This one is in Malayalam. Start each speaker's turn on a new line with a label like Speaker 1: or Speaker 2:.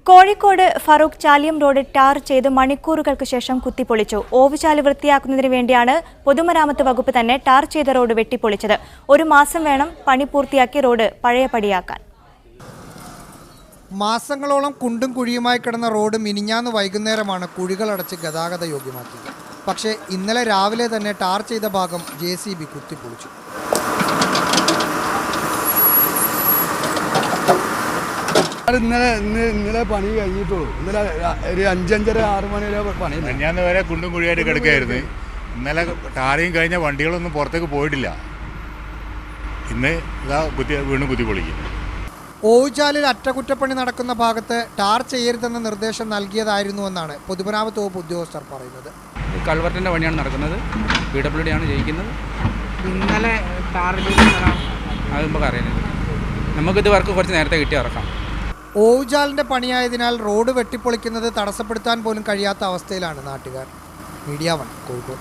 Speaker 1: കോഴിക്കോട് ഫറൂഖ് ചാലിയം റോഡ് ടാർ ചെയ്ത് മണിക്കൂറുകൾക്ക് ശേഷം കുത്തിപ്പൊളിച്ചു. ഓവുചാല് വൃത്തിയാക്കുന്നതിന് വേണ്ടിയാണ് പൊതുമരാമത്ത് വകുപ്പ് തന്നെ ടാർ ചെയ്ത റോഡ് വെട്ടിപ്പൊളിച്ചത്. ഒരു മാസം വേണം പണി പൂർത്തിയാക്കി റോഡ് പഴയപടിയാക്കാൻ.
Speaker 2: മാസങ്ങളോളം കുണ്ടും കുഴിയുമായി കിടന്ന റോഡ് മിനിഞ്ഞാന്ന് വൈകുന്നേരമാണ് കുഴികളടച്ച് ഗതാഗത യോഗ്യമാക്കിയത്. പക്ഷേ ഇന്നലെ രാവിലെ തന്നെ ടാർ ചെയ്ത ഭാഗം JCB കുത്തിപ്പൊളിച്ചു.
Speaker 3: ഇന്നലെ പണി കഴിഞ്ഞിട്ടുള്ളൂ. ഇന്നലെ ഒരു 5-5:30-6 മണി വരെ പണി.
Speaker 4: ഞാൻ വരെ കുണ്ടും കുഴിയായിട്ട് കിടക്കുകയായിരുന്നു. ഇന്നലെ ടാറിയും കഴിഞ്ഞ വണ്ടികളൊന്നും പുറത്തേക്ക് പോയിട്ടില്ല. ഇന്ന് ഇതാ വീണ്ടും കുത്തിപ്പൊളിക്കും.
Speaker 2: ഓവുചാലിൽ അറ്റകുറ്റപ്പണി നടക്കുന്ന ഭാഗത്ത് ടാർ ചെയ്യരുതെന്ന നിർദ്ദേശം നൽകിയതായിരുന്നുവെന്നാണ് പൊതുമരാമത്ത് വകുപ്പ് ഉദ്യോഗസ്ഥർ പറയുന്നത്.
Speaker 5: കൾവർട്ടിൻ്റെ പണിയാണ് നടക്കുന്നത്. PWD ആണ് ജയിക്കുന്നത്.
Speaker 6: ഇന്നലെ
Speaker 5: അത് നമുക്ക് അറിയുന്നത്. നമുക്കിത് വർക്ക് കുറച്ച് നേരത്തെ കിട്ടി ഇറക്കാം.
Speaker 2: ഓവുചാലിൻ്റെ പണിയായതിനാൽ റോഡ് വെട്ടിപ്പൊളിക്കുന്നത് തടസ്സപ്പെടുത്താൻ പോലും കഴിയാത്ത അവസ്ഥയിലാണ് നാട്ടുകാർ. മീഡിയ 1 കോഴിക്കോട്.